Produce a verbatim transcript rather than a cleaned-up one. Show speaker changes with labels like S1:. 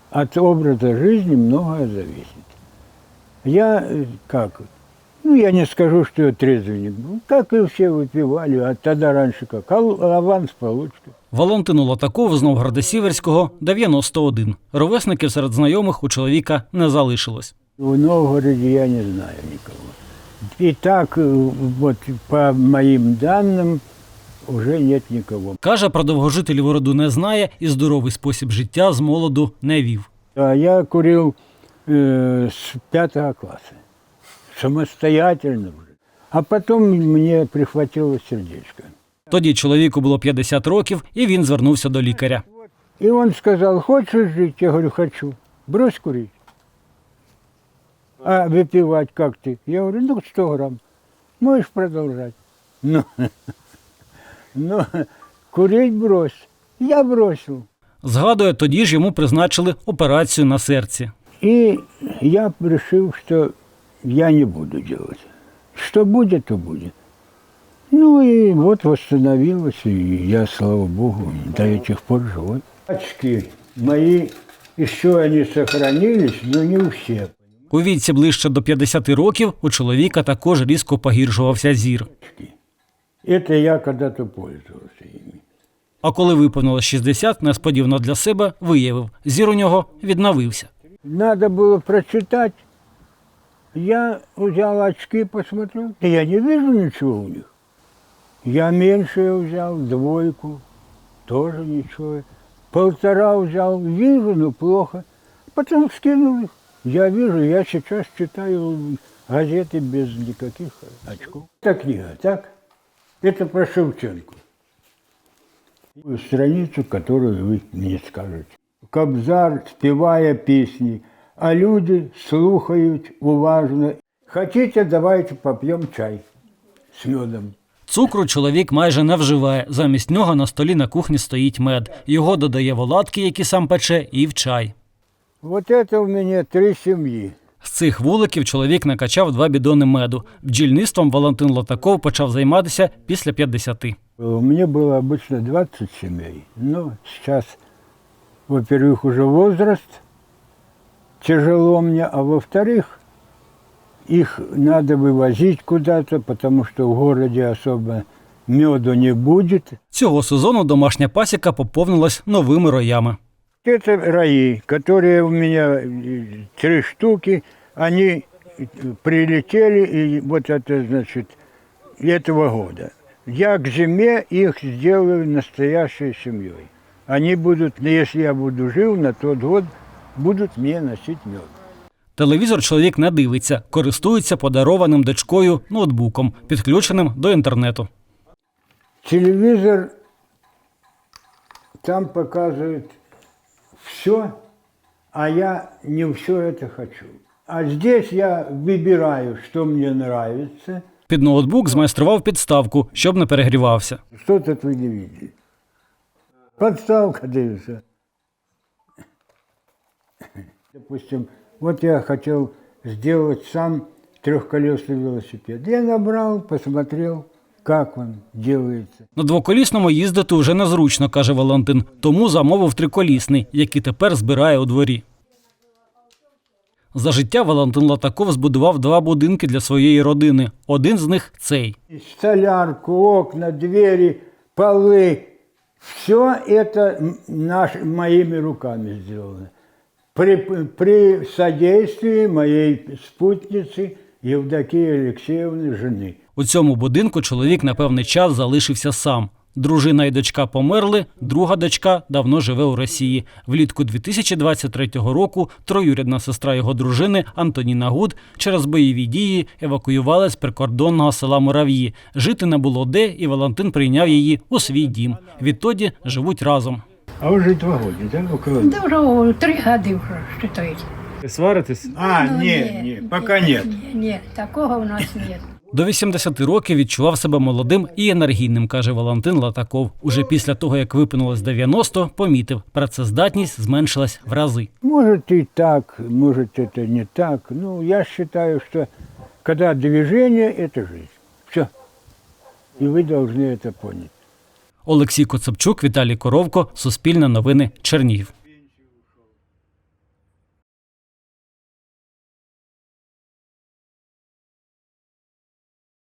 S1: от образа жизни многое зависит. Я как, ну я не скажу, что я трезвенник был, как и все выпивали, а тогда раньше как, аванс получка.
S2: Валентину Латакову з Новгорода-Сіверського дев'яносто один. Ровесників серед знайомих у чоловіка не залишилось.
S1: В Новгороде я не знаю никого. И так, вот по моим данным, уже нет никого.
S2: Каже, про довгожителів роду не знає і здоровий спосіб життя з молоду не вів.
S1: А я курил э, с пятого класса, самостоятельно уже. А потом мне прихватило сердечко.
S2: Тоді чоловіку було п'ятдесят років, і він звернувся до лікаря.
S1: И он сказал, хочешь жить? Я говорю, хочу. Брось курить. А выпивать как ты? Я говорю, ну сто грамм. Можешь продолжать. Ну, ну, курить брось. Я бросил.
S2: Згадує, тоді ж йому призначили операцію на серці.
S1: И я решил, что я не буду делать. Что будет, то будет. Ну и вот восстановилось, и я, слава Богу, до этих пор живой. Очки мои, еще они сохранились, но не у всех.
S2: У віці ближче до п'ятдесят років у чоловіка також різко погіршувався зір.
S1: Это я когда-то пользовался ими.
S2: А коли виповнилось шістдесят, несподівано для себе виявив, зір у нього відновився.
S1: Надо было прочитать. Я взял очки, посмотрел. Да я не вижу ничего у них. Я меньше взял, двойку, тоже ничего. Полтора взял, вижу, но плохо. Потом скинул их. Я вижу, я сейчас читаю газеты без никаких очков. Это книга, так? Это про Шевченко. Страницу, которую вы мне скажете. Кобзар, спевая песни, а люди слухают уважно. Хотите, давайте попьем чай с медом.
S2: Цукру чоловік майже не вживає. Замість нього на столі на кухні стоїть мед. Його додає в оладки, які сам пече, і в чай.
S1: Вот это у меня три семьи.
S2: З цих вуликів чоловік накачав два бідони меду. Бджільництвом Валентин Латаков почав займатися після п'ятдесяти.
S1: У меня было обычно двадцать семей. Но сейчас, во-первых, уже возраст, тяжело мне, а во-вторых, их надо вывозить куда-то, потому что в городе особо меду не будет.
S2: Цього сезону домашня пасіка поповнилась новими роями.
S1: Это раи, которые у меня три штуки, они прилетели, и вот это, значит, этого года. Я к зиме их сделаю настоящей семьей. Они будут, если я буду жив, на тот год будут мне носить мед.
S2: Телевізор чоловік не дивиться, користується подарованим дочкою ноутбуком, підключеним до інтернету.
S1: Телевизор там показывает все, а я не все это хочу. А здесь я выбираю, что мне нравится.
S2: Під ноутбук змайстрував підставку, щоб не перегрівався.
S1: Что тут вы не видите? Подставка, да и все. Допустим, вот я хотел сделать сам трехколесный велосипед. Я набрал, посмотрел, как он делается.
S2: На двоколісному їздити вже незручно, каже Валентин, тому замовив триколісний, який тепер збирає у дворі. За життя Валентин Латаков збудував два будинки для своєї родини. Один з них – цей.
S1: Столярку, окна, двери, полы. Все это наш, моими руками сделано. При, при содействии моей спутницы Евдокии Алексеевны, жены.
S2: У цьому будинку чоловік на певний час залишився сам. Дружина і дочка померли, друга дочка давно живе у Росії. Влітку дві тисячі двадцять третього року троюрідна сестра його дружини Антоніна Гуд через бойові дії евакуювалась з прикордонного села Мурав'ї. Жити не було де, і Валентин прийняв її у свій дім. Відтоді живуть разом.
S1: А уже два года, да? Около...
S3: Да вже три роки вже, считайте.
S2: Сваритесь?
S1: А,
S3: Ну,
S1: нет, нет, пока нет.
S3: Нет, нет, такого у нас нет.
S2: До вісімдесяти років відчував себе молодим і енергійним, каже Валентин Латаков. Уже після того, як виповнилось дев'яносто, помітив, працездатність зменшилась в рази.
S1: Может и так, может это не так. Ну, я считаю, что когда движение – это жизнь. Все. И вы должны это понять.
S2: Олексій Коцепчук, Віталій Коровко, Суспільне новини, Чернігів.